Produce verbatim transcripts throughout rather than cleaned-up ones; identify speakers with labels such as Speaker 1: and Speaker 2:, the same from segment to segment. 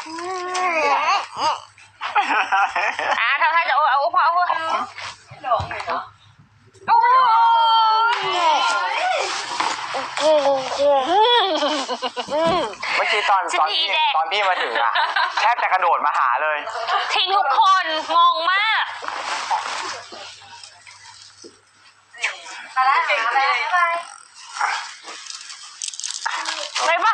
Speaker 1: อ่ะทำท่าจะโอ้เอาพอเอาพอ
Speaker 2: หลงเลยเนาะ
Speaker 1: โอ้
Speaker 3: เมื่อกี้ตอนตอนพี่ตอนพี่มาถึงอะแทบจะกระโดดมาหาเลย
Speaker 1: ทิ้งทุกคนงงมาก
Speaker 2: มาแล้วเก่งเลย
Speaker 1: ไปป่ะ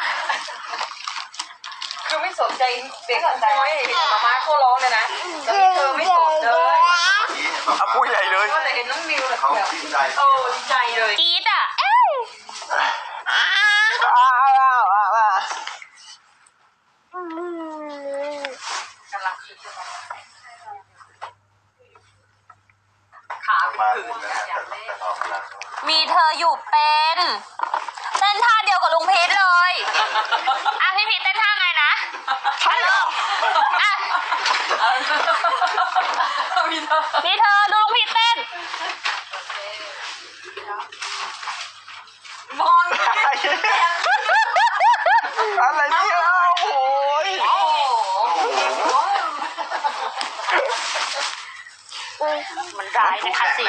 Speaker 2: คือไม่สนใจเด็กน้อยเห็นมาม่าเขาร้องเลยนะตอนนี้เธอไม่สนเลย
Speaker 3: เอาพูดใหญ่เลย
Speaker 2: ก็เลยเห็นน้องมิวแบบ
Speaker 4: ดีใจ
Speaker 2: โอ้ดีใจเลย
Speaker 1: กรี๊ดอ่ะเอ้ย
Speaker 2: กำลังขา
Speaker 4: มา
Speaker 2: ผืน
Speaker 1: มีเธออยู่เป็นเต้นท่าเดียวกับลุงพีทเลยอ่ะพี่พีทเต้นท่าไงนะ
Speaker 3: ใช่เหรอ
Speaker 1: อ่ะ
Speaker 2: มีเธอ
Speaker 1: มีเธอดูลุงพีทเต้น
Speaker 2: มอง
Speaker 3: อะไรเนี่ยโอ้ย
Speaker 1: มันร้ายนะคะสิ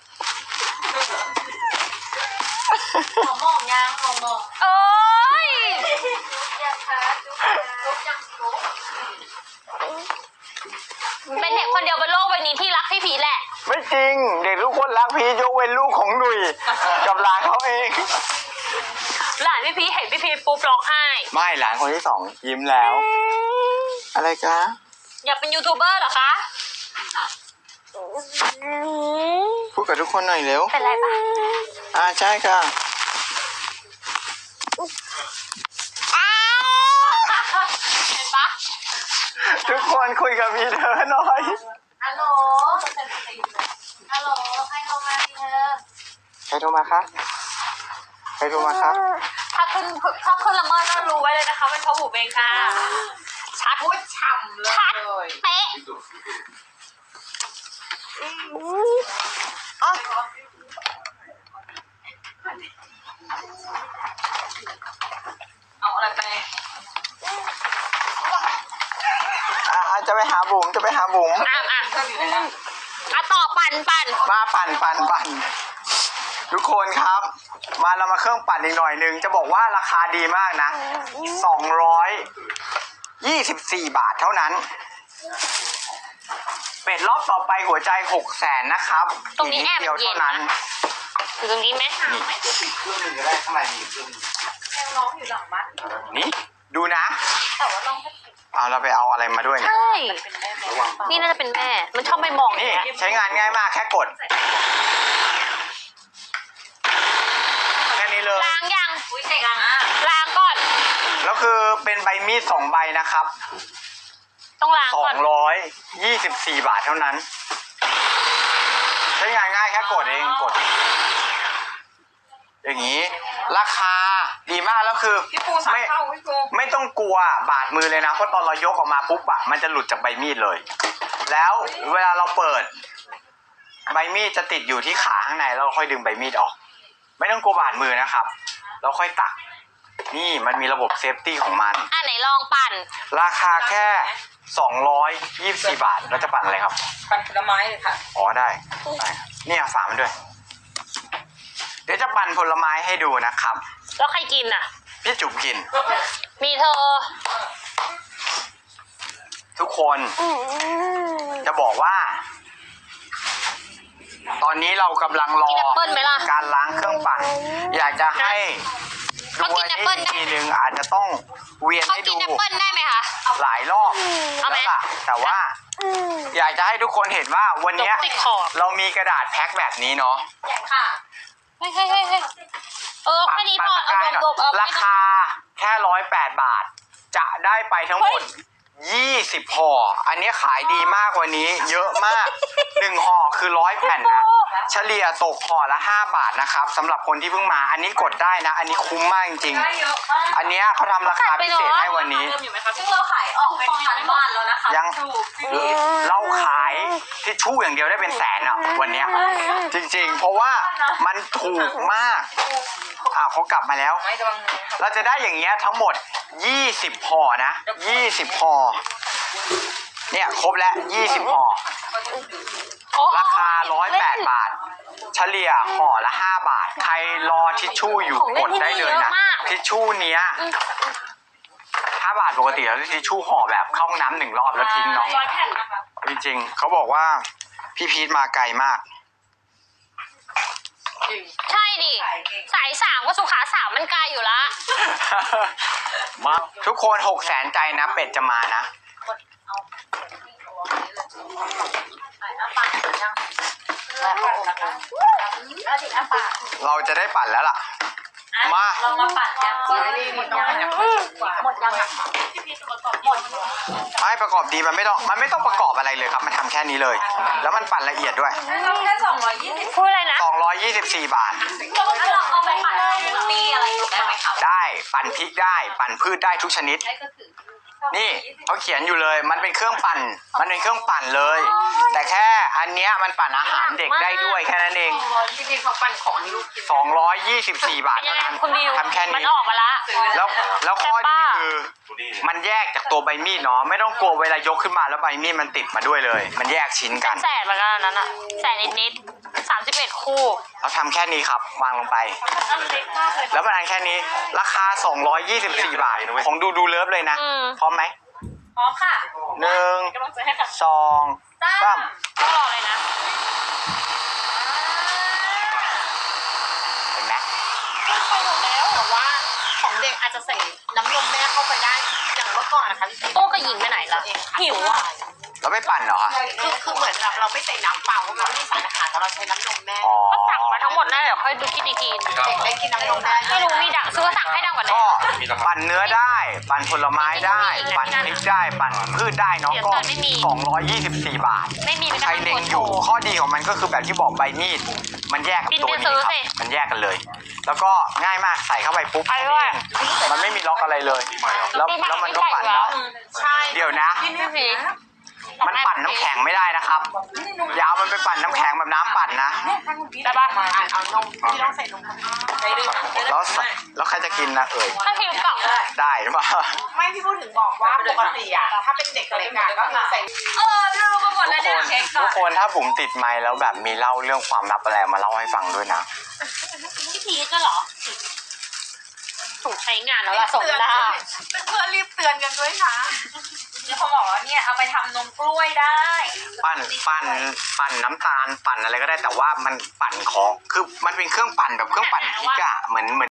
Speaker 2: มองมองยังมองมอง
Speaker 1: เอ้ย
Speaker 2: ยังคะจุ๊บยังจุ๊บ
Speaker 1: เป็นเด็กคนเดียวบนโลกใบนี้ที่รักพี่พีทแหละ
Speaker 3: ไม่จริงเด็กทุกคนรักพี่ยกเว้นลูกของหนุ่ยกับหลานเขาเอง
Speaker 1: หลานพี่พีทเห็นพี่พีทปุ๊บร้องไห้
Speaker 3: ไม่หลานคนที่สองยิ้มแล้วอะไรจ๊ะ
Speaker 1: อยากเป็นยูทูบเบอร์เหรอคะ
Speaker 3: พูดกับทุกคนหน่อยเร็ว
Speaker 1: เป็นไรปะ
Speaker 3: อ่าใช่ค่ะ
Speaker 1: เห็นปะ
Speaker 3: ทุกคนคุยกับพี่เธอหน่อย
Speaker 2: ฮัลโหลฮัลโหลใครโทรมาดิเธอ
Speaker 3: ใครโทรมาคะใครโทรมาคะ
Speaker 1: ถ้าขึ้นถ้าขึ้นละเมิดก็รู้ไว้เลยนะคะเป็นเพราะบุ๋มเองค่ะชัด
Speaker 2: พูดฉ่ำเลย
Speaker 1: ชัดเป๊ะ
Speaker 2: เอาอะไรไป
Speaker 3: อ่าจะไปหาบุ๋มจะไปหาบุ๋ม
Speaker 1: อ่ะอ่ะอ่ะต่อปั่นปั่น
Speaker 3: มาปั่นปั่นปั่นทุกคนครับมาเรามาเครื่องปั่นอีกหน่อยนึงจะบอกว่าราคาดีมากนะสองร้อยยี่สิบสี่บาทเท่านั้นเป็ดรอบต่อไปหัวใจหกแสนนะครับ
Speaker 1: ตรงนี้แอบ
Speaker 3: เดียวเท่านั้น
Speaker 1: อยู่ตรงนี้ไหม
Speaker 4: นี่เครื่องนึงก็ได้ข้างในมีเครื่องนึง
Speaker 2: แมวน้องอยู่หลังบ้าน
Speaker 3: นี่ดูนะ
Speaker 2: แต่ว่าน้อง
Speaker 3: เอาเราไปเอาอะไรมาด้วยเนี่ย
Speaker 1: ใช่นี่น่าจะเป็นแม่มันชอบไปมอง
Speaker 3: นี่ใช้งานง่ายมากแค่กดแค่นี้เลย
Speaker 1: ล้างยัง
Speaker 2: อุ้ยเสกอ่ะ
Speaker 1: ล้างก่อน
Speaker 3: แล้วคือเป็นใบมีดสองใบนะครับ
Speaker 1: ต้องล้างก่อน
Speaker 3: สองร้อยยี่สิบสี่บาทเท่านั้นใช้งานง่ายแค่กดเองกดอย่างนี้ราคาดีมากแล้วคือไม่ไม่ต้องกลัวบาดมือเลยนะเพราะตอนเรายกออกมาปุ๊บอะมันจะหลุดจากใบมีดเลยแล้วเวลาเราเปิดใบมีดจะติดอยู่ที่ขาข้างในแล้วเราค่อยดึงใบมีดออกไม่ต้องกลัวบาดมือนะครับเราค่อยตักนี่มันมีระบบเซฟตี้ของมัน
Speaker 1: อ่ะไหนลองปั่น
Speaker 3: ราคาแค่สองร้อยยี่สิบสี่บาทแล้วจะปั่นอะไรครับ
Speaker 2: ปั่นผลไม้เลยค่ะ
Speaker 3: อ๋อได้ได้เนี่ยฝามันด้วยเดี๋ยวจะปั่นผลไม้ให้ดูนะครับ
Speaker 1: แล้วใครกินอ่ะ
Speaker 3: พี่จุ๋มกิน
Speaker 1: มีเธอ
Speaker 3: ทุกคนจะบอกว่าตอนนี้เรากำลังรอการล้างเครื่องปั่นอยากจะให้ดูให้ทีนึงอาจจะต้องเวียนให้ดูหลายรอบแล้วล่ะแต่ว่าอยากจะให้ทุกคนเห็นว่าวันนี้เรามีกระดาษแพ็คแบบนี้เนาะ
Speaker 2: ค่ะ
Speaker 1: เฮ้ยเฮ้ยเฮ้ยเออแค่นี้พอเอาบวก
Speaker 3: ราคาแค่ร้อยแปดบาทจะได้ไปทั้งหมดยี่สิบห่ออันนี้ขายดีมากกว่านี้เยอะมากหนึ่งห่อคือร้อยแผ่นนะเฉลี่ยตกห่อละห้าบาทนะครับสำหรับคนที่เพิ่งมาอันนี้กดได้นะอันนี้คุ้มมากจริงๆอันนี้เขาทำราคาพิเศษให้วันนี้
Speaker 2: ซึ่งเราขายออกไปทั้งบ้านแล้วนะคะ
Speaker 3: ยังเราขายทิชชู่อย่างเดียวได้เป็นแสนอ่ะวันเนี้ยจริงๆ เพราะว่ามันถูกมากอ่าเขากลับมาแล้ว
Speaker 2: ไม่ระวังมือ
Speaker 3: เราจะได้อย่างเงี้ยทั้งหมดยี่สิบห่อนะยี่สิบห่อเนี่ยครบแล้วยี่สิบห่อ
Speaker 1: โอ้
Speaker 3: ราคาหนึ่งร้อยแปดบาท เฉลี่ยห่อละห้าบาท ใครรอทิชชู่อยู่กดได้เลยนะทิชชู่เนี้ยห้าบาทปกติแล้วทิชชู่ห่อแบบเข้าห้องน้ำหนึ่งรอบแล้วทิ้งเนาะ
Speaker 2: ร้อยแผ่นนะคะ
Speaker 3: จริงๆเขาบอกว่าพี่พีทมาไกลมาก
Speaker 1: ใช่ดิสายสามกับสุขาสามมันไกลอยู่ละ
Speaker 3: มาทุกคนหกแสนใจนะเป็ดจะมานะ เราจะได้ปั่นแล้วล่ะ มา
Speaker 2: เรามาปั่นกันหมดยังหมดยังหมดยังหมด
Speaker 3: ให้ประกอบดีมันไม่ต้องมันไม่ต้องประกอบอะไรเลยครับมันทำแค่นี้เลย แล้วมันปั่นละเอียดด้วย
Speaker 2: เราแค่สองร้อยยี่สิบ
Speaker 1: พูดอะไรนะ
Speaker 3: สองร้อยยี่สิบสี่บาท
Speaker 2: แล้วเราเอาไปปั่นปีอะไรอยู่ได้ไหมคะ
Speaker 3: ได้ปั่นพริกได้ปั่นพืชได้ทุกชนิด นี่เขาเขียนอยู่เลย มันเป็นเครื่องปั่น มันเป็นเครื่องปั่นเลย แต่แค่อันเนี้ยมันปั่นอาหารเด็กได้ด้วยแค่นั้นเอง
Speaker 2: จริงๆเขาปั่นของลูกกิน
Speaker 3: สองร้อยยี่สิบสี่บาท
Speaker 1: เป็นยั
Speaker 3: เท่าง
Speaker 1: ไง
Speaker 3: นั้น
Speaker 1: คุณบิว
Speaker 3: ทำแค่
Speaker 1: มัน
Speaker 3: นี้
Speaker 1: ออกมาละ
Speaker 3: แล้วแล้วข้อดี
Speaker 1: แต่ป้า
Speaker 3: คือ มันแยกจากตัวใบมีดเนาะไม่ต้องกลัวเวลายกขึ้นมาแล้วใบมีดมันติดมาด้วยเลย มันแยกชิ้นกัน
Speaker 1: แสนเหมือนกันอันนั้นอะแสนนิดๆสามสิบเอ็ดคู่
Speaker 3: เราทำแค่นี้ครับวางลงไป
Speaker 2: อันเล็กมากเลย
Speaker 3: แล้วมันอันแค่นี้ ราคาสองร้อยยี่สิบสี่บาทของดูดูเลิฟเลยนะ
Speaker 1: อืม
Speaker 3: พร้อมไหม
Speaker 2: พร้อมค่ะ
Speaker 3: หนึ่ง
Speaker 2: กำลังจะให้ค่ะ
Speaker 3: สองสาม
Speaker 1: ต้องรอเลยนะ
Speaker 3: เห็นไหม
Speaker 2: ไปหมดแล้วแต่ว่าของเด็กอาจจะใส่น้ำนมแม่เข้าไปได้อย่างเมื่อก่อนนะคะพี่
Speaker 1: โต้กับหญิงไปไหนล่ะ หิวอ่ะ
Speaker 3: เราไม่ปั่นเหรอคะ
Speaker 2: คือคือเหมือนแบบเราไม่ใส่น้ำเปล่าเพราะมันไม่มีสารอาหารแต่เราใช้น้ำนมแม่
Speaker 3: อ๋อ
Speaker 1: ก็สั่งมาทั้งหมดนั่นเดี๋ยวค่อยดูคิดอีกที
Speaker 2: เด็กได้กินน้ำนมแม่
Speaker 1: ไม่รู้มีดังซื้อสั่งให้ดังกว่านี้
Speaker 3: ก็ปั่นเนื้อได้ ปั่นผลไม้ได้ ปั่นพริกได้ ปั่นพืชได้เน้องก็สองร้อยยี่สิบสี่บาท
Speaker 1: ไม่มีเป็น
Speaker 3: ใครเล็งอยู่ข้อดีของมันก็คือแบบที่บอกใบมีดมันแยกกับตัวนี้ครับมันแยกกันเลย แล้วก็ง่ายมากใส่เข้าไปปุ๊บมันไม่มีล็อกอะไรเลย แล้วแล้วมันก็ปั่นได้
Speaker 2: ใช่
Speaker 3: เดี๋ยวนะ
Speaker 1: พี่พี
Speaker 3: มันปั่นน้ำแข็งไม่ได้นะครับอยาวมันไปปั่นน้ำแข็งแบบน้ำปั่นนะ
Speaker 1: ได้ปะ
Speaker 2: เอานมที่ต้องใส่นมใส่ดื่ม
Speaker 3: แล้วแล้วใครจะกินนะเอ่ย
Speaker 1: ถ้าพิมพ์กล่อง
Speaker 3: ได้หรือเปล่า
Speaker 2: ไม่พี่พูดถึงบอกว่าปกติอะถ้าเป็นเด็กเล็กอะก็คือใส่เออลืมไปหมด
Speaker 3: ทุ
Speaker 2: แล้
Speaker 3: ก
Speaker 2: ว
Speaker 3: ค
Speaker 2: เนี่ย
Speaker 3: นทุกคนถ้าบุ๋มติดไมค์แล้วแบบมีเล่าเรื่องความลับอะไรมาเล่าให้ฟังด้วยนะ
Speaker 1: พี่พีก็เหรอ ถูกใช้งานแล้วล่ะสมหน้า
Speaker 2: เพื่อนรีบเตือนกันด้วยค่ะนี่เขาบอกว่าเนี่ยเอาไปทำนมกล้วยได้
Speaker 3: ปั่นปั่นปั่นน้ำตาลปั่นอะไรก็ได้แต่ว่ามันปั่นของคือมันเป็นเครื่องปั่นแบบเครื่องปั่นพริกอะเหมือนเหมือน